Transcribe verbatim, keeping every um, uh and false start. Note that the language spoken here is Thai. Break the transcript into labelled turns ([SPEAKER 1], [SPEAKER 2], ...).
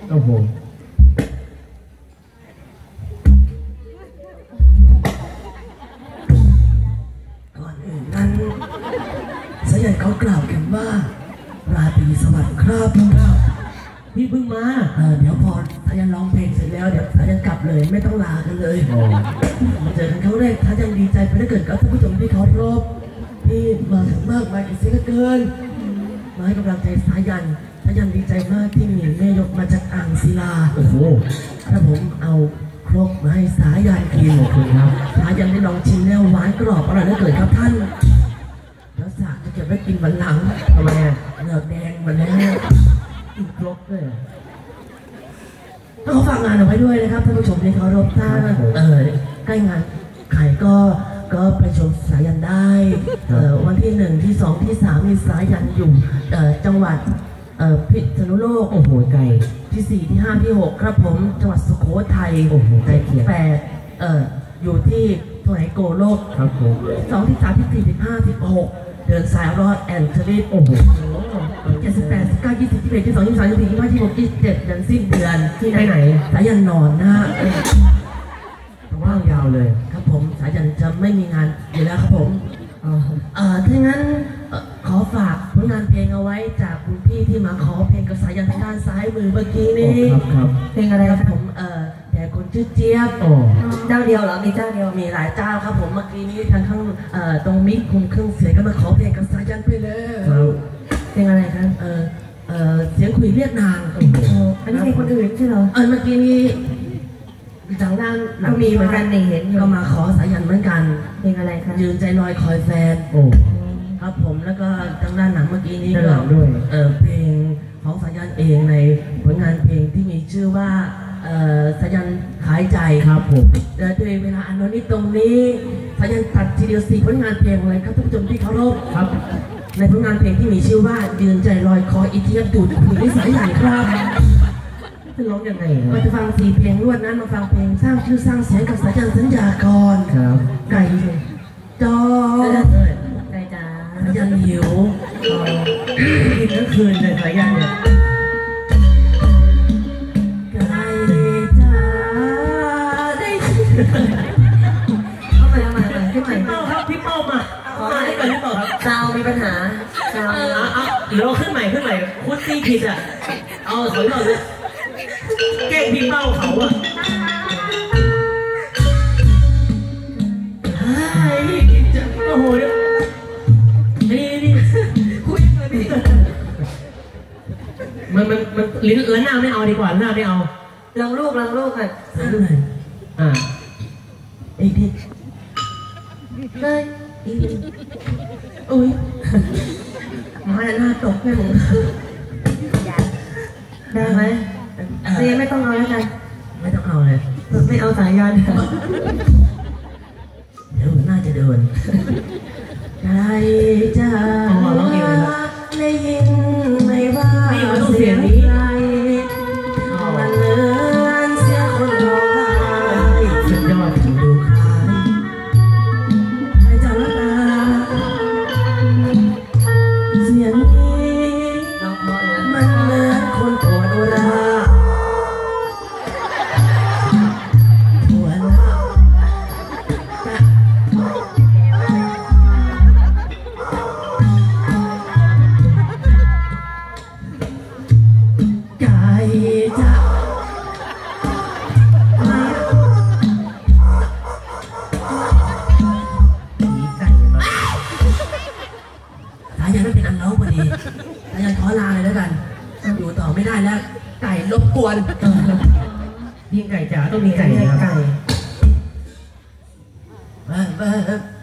[SPEAKER 1] โอ้โห
[SPEAKER 2] ก่อนอื่นนั้นสายันเขากล่าวกันว่าราตรีสวัสดิ์ครับพี่เพิ่งมาเออเดี๋ยวพอสายันร้องเพลงเสร็จแล้วเดี๋ยวสายันกลับเลยไม่ต้องลากันเลยมาเจอกันครั้งแรกสายันดีใจไปเหลือเกินกับท่านผู้ชมที่เขารบที่มาถึงมากมายกันเสียเหลือเกินมาให้กำลังใจสายันสายันดีใจมากที่มีแม่ยกมาจากอ่างศิลาโอ้โหถ้าผมเอาครกมาให้สายันกินขอบคุณครับสายันได้ลองชิมแล้วหวานกรอบอร่อยเหลือเกินครับท่านแล้วสาจะเก็บไว้กินวันหลังทำไมอ่ะเหงือกแดงมาแล้วกินครกเลยต้องฝากงานเอาไว้ด้วยนะครับท่านผู้ชมที่เคารพถ้าเออใกล้งานใครก็ก็ไปชมสายันได้เอ่อวันที่หนึ่งที่สองที่สามมีสายันอยู่เอ่อจังหวัดเอ่อพิษณุโลกโอ้โหไกลที่สี่ที่ห้าที่หกครับผมจังหวัดสุโขทัยโอ้โหไกลที่แปดเอ่ออยู่ที่สมัยโกโลกครับผมสองที่สามที่สี่ที่ห้าที่หกเดินสายรอดแอนเทอร์โอ้โหเจ็ดสิบแปดสิบเก้ายี่สิบที่เอ็ดที่สองที่สามที่สี่ที่ห้าที่หกที่เจ็ดเดือนสิ้นเดือนที่ไหนสายันนอนนะว่างยาวเลยครับผมสายันจะไม่มีงานอยู่แล้วครับผมเอ่อถ้างั้นขอฝากผลงานเพลงเอาไว้จากคุณพี่ที่มาขอเพลงกับสายันทางด้านซ้ายมือเมื่อกี้นี้ครับเพลงอะไรครับผมเอ่อแต่คนชื่อเจี๊ยบเจ้าเดียวเหรอมีเจ้าเดียวมีหลายเจ้าครับผมเมื่อกี้นี้ทางข้างเอ่อตรงมิกคุมเครื่องเสียงก็มาขอเพลงกับสายันไปเลยเพลงอะไรครับเอ่อเอ่อเสียงคุยเรียกนางอันนี้เพลงคนอื่นใช่เหรอเออเมื่อกี้นี้ทางด้านก็มีเหมือนกันนี่เห็นก็มาขอสายันเหมือนกันเพลงอะไรครับยืนใจลอยคอยแฟนโอ้ครับผมแล้วก็ทางด้านหนังเมื่อกี้นี้ก็ด้วยเออเพลงของสายันเองในผลงานเพลงที่มีชื่อว่าเออสายันขายใจครับผมและด้วยเวลาอันน้อยนิดตรงนี้สายันตัดทีเดียวสี่ผลงานเพลงเลยครับท่านผู้ชมที่เคารพครับในผลงานเพลงที่มีชื่อว่ายืนใจลอยคอยอีเทียบดูดคุยด้วยสายันครับจะร้องยังไงมาจะฟังสี่เพลงรวดนั้นมาฟังเพลงสร้างชื่อสร้างเสียงกับสายันสัญญากรครับไก่จอไก่จ๋าสายันหิวกินทั้งคืนเลยสายันเนี่ยไก่จ๋าได้เข้ามาเข้ามาขึ้นใหม่พี่เป้าครับพี่เป้ามาขอให้ก่อนพี่เป้าครับซาวมีปัญหาซาวเอาเดี๋ยวขึ้นใหม่ขึ้นใหม่คุดซี่ผิดอ่ะเอาถอยก่อนเลยแกล้งพี่เป้าเขาอะเฮ้ยจะโอ้โหนี่นี่คุยเลยพี่มันมันมันลิ้นแล้วหน้าไม่เอาดีกว่าหน้าไม่เอาลองลูกลองลูกอ่ะอ่าไอ้ดิได้อุ้ยมาหน้าตกแค่ผมได้ไหมเรียนไม่ต้องเอาแล้วกันไม่ต้องเอาเลยไม่เอาสายยันเดี๋ยวน่าจะเดินใจจะได้ยินไม่ว่าเสียงนี้มันเลื่อนเสียงคนร้องไห้สุดยอดถึงดูคล้ายใครจะรักตาเสียงนี้มันเหมือนคนปวดร้าวรบกวนยิงไก่จ๋าต้องมีไก่นะครับไก่